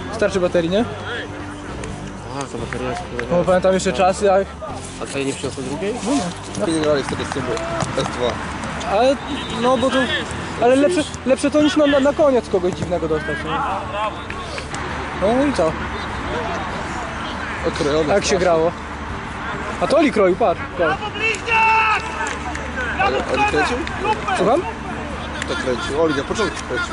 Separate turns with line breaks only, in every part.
Starczy baterii, nie?
A, ta bateria jest kurwa.
Bo pamiętam jeszcze czasy, jak...
A co, nie przyniosło drugiej?
Nie grali wtedy z tym S2.
Ale, no bo to... Ale lepsze to niż na koniec kogoś dziwnego dostać, nie? No i co?
Okrojone.
Jak się grało? A to Oli kroił, patrz.
Oli kręcił?
Słucham?
To kręcił. Oli na początku kręcił.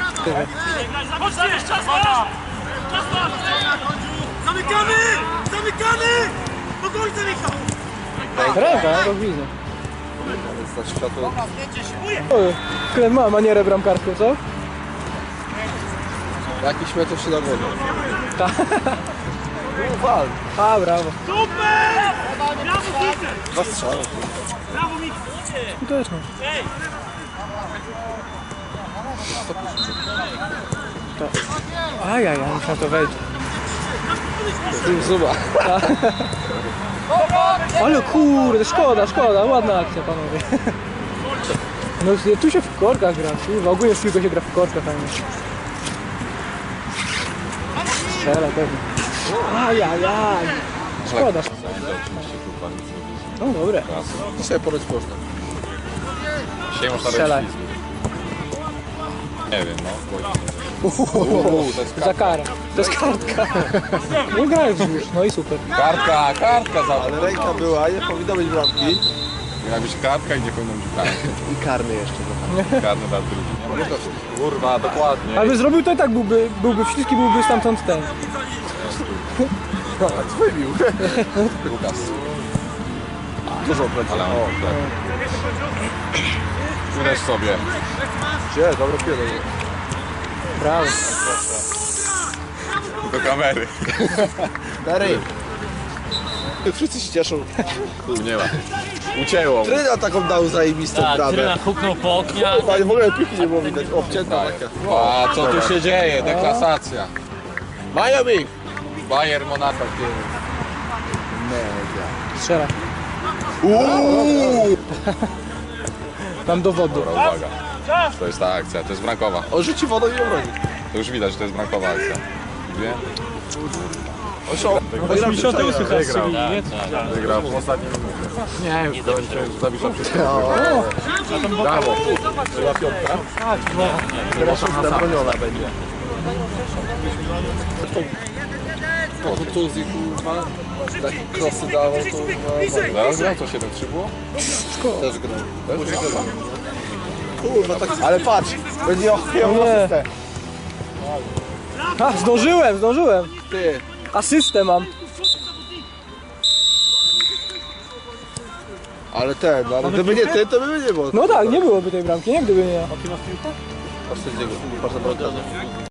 Zamykamy! Zamykamy! Do końca, Michał!
Ręka, to widzę.
Za światło.
Klem ma manierę bramkarską, co?
Jakiś metr się nagodził.
Tak.
Wal.
A, brawo.
Super! Brawo, Peter!
Dwa strzały.
Brawo, Michał!
Skuteczność. Ajajaj, muszę na to wejść.
Zuba.
Ale kurde, szkoda, ładna akcja, panowie. No tu się w korkach gra, kurwa, ogólnie w piłkę się gra w korkach, a nie. Strzela pewnie. Ajajaj. Szkoda. No dobre.
Dzisiaj poryć można.
Dzisiaj można
Strzelaj.
robić ślizgi. Nie wiem, no. To jest
Za karę. To jest kartka. Nie grałeś już, no i super.
kartka za...
Ale ręka była, nie powinno być bramki.
Miała być kartka i nie powinno być kartka.
I karny jeszcze.
Karny dla drugi. Nie można kurwa, dokładnie.
Ale by zrobił to i tak byłby śliski, byłby stamtąd ten.
Wybił.
Lukas.
Dużo plecy.
Ale o, tak. Uderz sobie.
Gdzie? Dobre pierdolę.
Brawo.
Do kamery.
Dary. Wszyscy się cieszą.
Nie ma. Ucięło.
Tryna taką dał zajebistą bramę.
Tryna huknął po oknie.
Panie, w ogóle piłki nie było widać. Obcięta taka.
A co tu się dzieje? Deklasacja.
Miami!
Bayern Monaco.
Strzela. Mam dowodu.
Dobra, uwaga. To jest ta akcja, to jest bramkowa.
On rzuci wodą i obroni.
To już widać, że to jest bramkowa akcja. Dwie.
On się wygrał.
88 chyba
Wygrał.
strzeli, nie?
Wygrał w ostatnim minucie. Nie, już Zawisza wszystko. Brawo.
Była piątka. Teraz szósta broniona będzie. Po kontuzji, kurwa, takie krosy dawał, to
Zaraz grał, co 7-3 było?
też grał. Kurwa, tak... Ale patrz, będzie ochwiał
Nie.
asystę.
A, zdążyłem.
Ty.
Asystę mam.
Ale ten, ale gdyby nie ty, to by nie było.
No tak, nie byłoby tej bramki, nie gdyby nie ja.
Patrz sędziego, patrz na bramkarza.